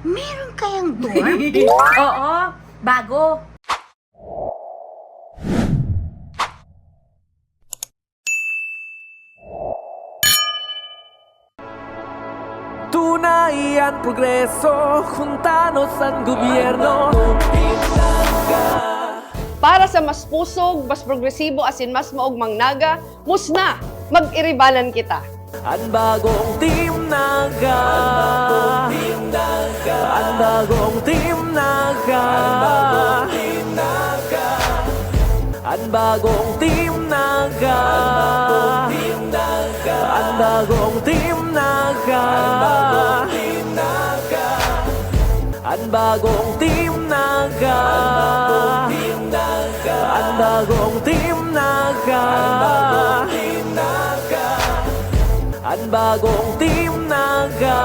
Meron kayang dorm? Oo, bago. Tunay ang progreso, juntanos ang gobyerno. Para sa mas pusog, mas progresibo asin mas maugmang naga, musna, mag-iribanan kita. Ang bagong Team Naga. Ang bagong Team Naga. Ang bagong Team Naga. Ang bagong Team Naga. Ang bagong Team Naga. Ang bagong Team Naga. Ang bagong Team Naga.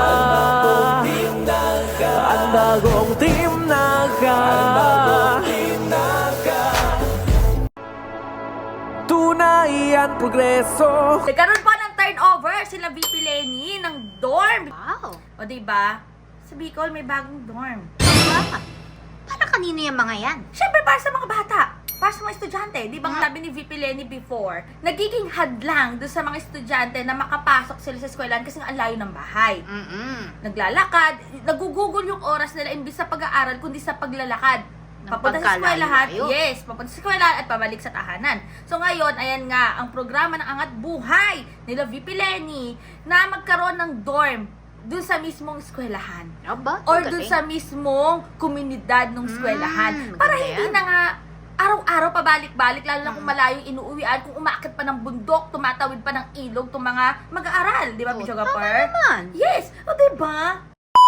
Ang bagong Team Naga. Tunay ang progreso. Nagkaroon pa ng turnover sila VP Lenny ng dorm. Wow. O diba? Sa Bicol may bagong dorm. Bakit? Para kanino yung mga yan? Siyempre para sa mga bata. Para sa mga estudyante. Di ba sabi ni VP Lenny before, nagiging hadlang doon sa mga estudyante na makapasok sila sa eskwelahan kasi ang layo ng bahay. Naglalakad, nagugugol yung oras nila imbis sa pag-aaral kundi sa paglalakad. Papunta sa eskwelahan, yes, papunta sa eskwelahan at pabalik sa tahanan. So ngayon, ayan nga, ang programa ng Angat Buhay nila VP Lenny na magkaroon ng dorm dun sa mismong eskwelahan. Aba, Or dun sa mismong komunidad ng eskwelahan. Para maganda hindi yan. na nga araw-araw pabalik-balik, lalo na kung malayong inuuwian, kung umaakit pa ng bundok, tumatawid pa ng ilog, itong mga mag-aaral. Di ba, Picho Gapar? naman. Yes! O, diba?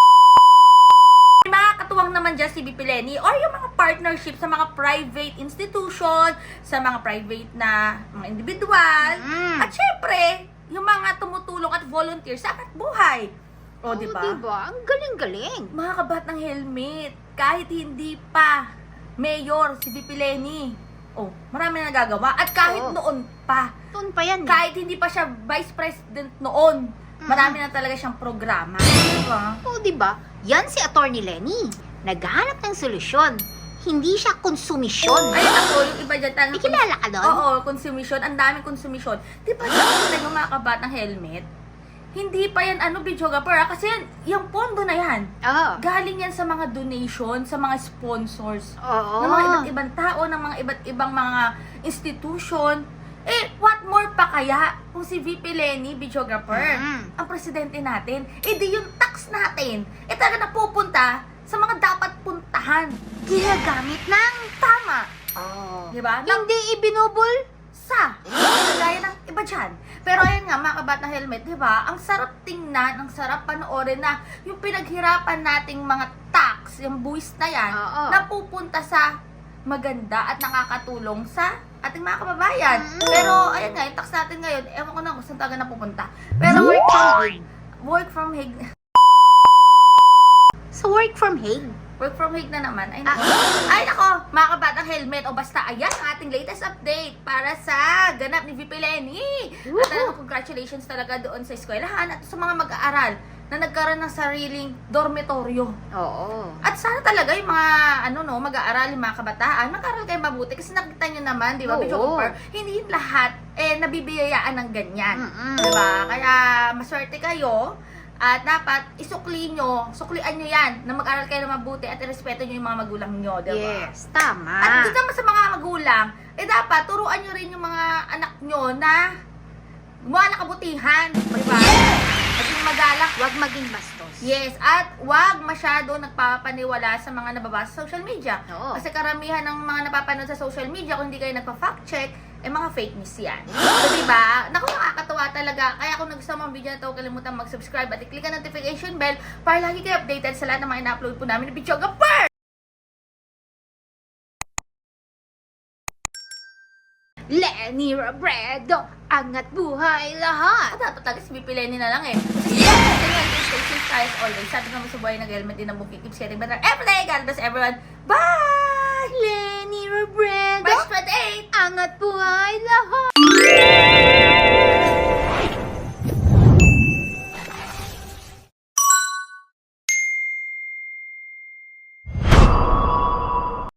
May mga katuwang naman dyan si VP Lenny or yung mga partnership sa mga private institution, sa mga private na mga individual, at syempre, yung mga tumutulong at volunteer sa Angat Buhay. O, diba? Diba? Ang galing-galing. Mga kabat ng helmet, kahit hindi pa mayor si VP Lenny. Oh, marami na nagagawa. At kahit Oo. noon pa, Doon pa yan. kahit hindi pa siya vice president noon, marami na talaga siyang programa. Diba? Oo, diba? Yan si Attorney Lenny. Naghahanap ng solusyon. Hindi siya konsumisyon. Ay, ako, yung iba dyan talagang... May kilala ka doon? Oo, konsumisyon. Ang daming konsumisyon. Di ba sabi yung mga kabat ng helmet? Hindi pa yan, Bidyoga Per, kasi yan, yung pondo na yan. Oo. Galing yan sa mga donation, sa mga sponsors. Oo. Ng mga iba't ibang tao, ng mga iba't ibang mga institution. Eh, what more pa kaya kung si VP Lenny, videographer, ang presidente natin, eh di yung tax natin, eh talaga napupunta sa mga dapat puntahan. Ginagamit ng... Tama. Oh. Diba? Hindi ibinubul. Gaya ng iba dyan. Pero ayan nga, mga kabat na helmet, di ba? Ang sarap tingnan, ang sarap panoorin na yung pinaghirapan nating mga tax, yung buwis na yan, Oo. napupunta sa maganda at nakakatulong sa ating mga kababayan. Pero ayan nga, yung tax natin ngayon, ewan ko na kung saan talaga napupunta. Pero work from Hague. Sa work from Hague. Work from Hague na naman. Ay, nako. Ay, nako. Mga kabatang helmet. O basta, ayan ang ating latest update para sa ganap ni VP Lenny. At congratulations talaga doon sa eskwelahan at sa mga mag-aaral na nagkaroon ng sariling dormitoryo. Oo. At sana talaga yung mga, mag-aaral, yung mga kabataan, mag-aaral kayo mabuti. Kasi nakita nyo naman, di ba, Oo. Bicho Cooper, hindi lahat, nabibiyayaan ng ganyan. Di ba? Kaya, maswerte kayo. At dapat suklian nyo yan na mag-aral kayo na mabuti at irespeto nyo yung mga magulang nyo, diba? Yes, tama. At dito naman sa mga magulang, dapat turuan nyo rin yung mga anak nyo na gumawa ng kabutihan, diba? Maging magalak. Huwag maging bastos. Yes, at wag masyado nagpapaniwala sa mga nababasa sa social media. Oo. Kasi karamihan ng mga napapanood sa social media, kung hindi kayo nagpa-fact check, mga fake news yan. So, diba? Naku, nakakatawa talaga. Kaya kung nagustuhan mo ang video na ito, huwag kalimutan mag-subscribe at i-click ang notification bell para lagi kayo updated sa lahat ng mga ina-upload po namin ni Bichoga Per! Lenny Robredo, angat buhay lahat. Dapat talaga si VP Lenny na lang eh. Yes! Stay safe as always. Sabi naman sa buhay, nag-helmet din ang bukit. Keeps getting better every day. God bless everyone. Bye! Lenny Robredo, Bye, 28! angat buhay lahat.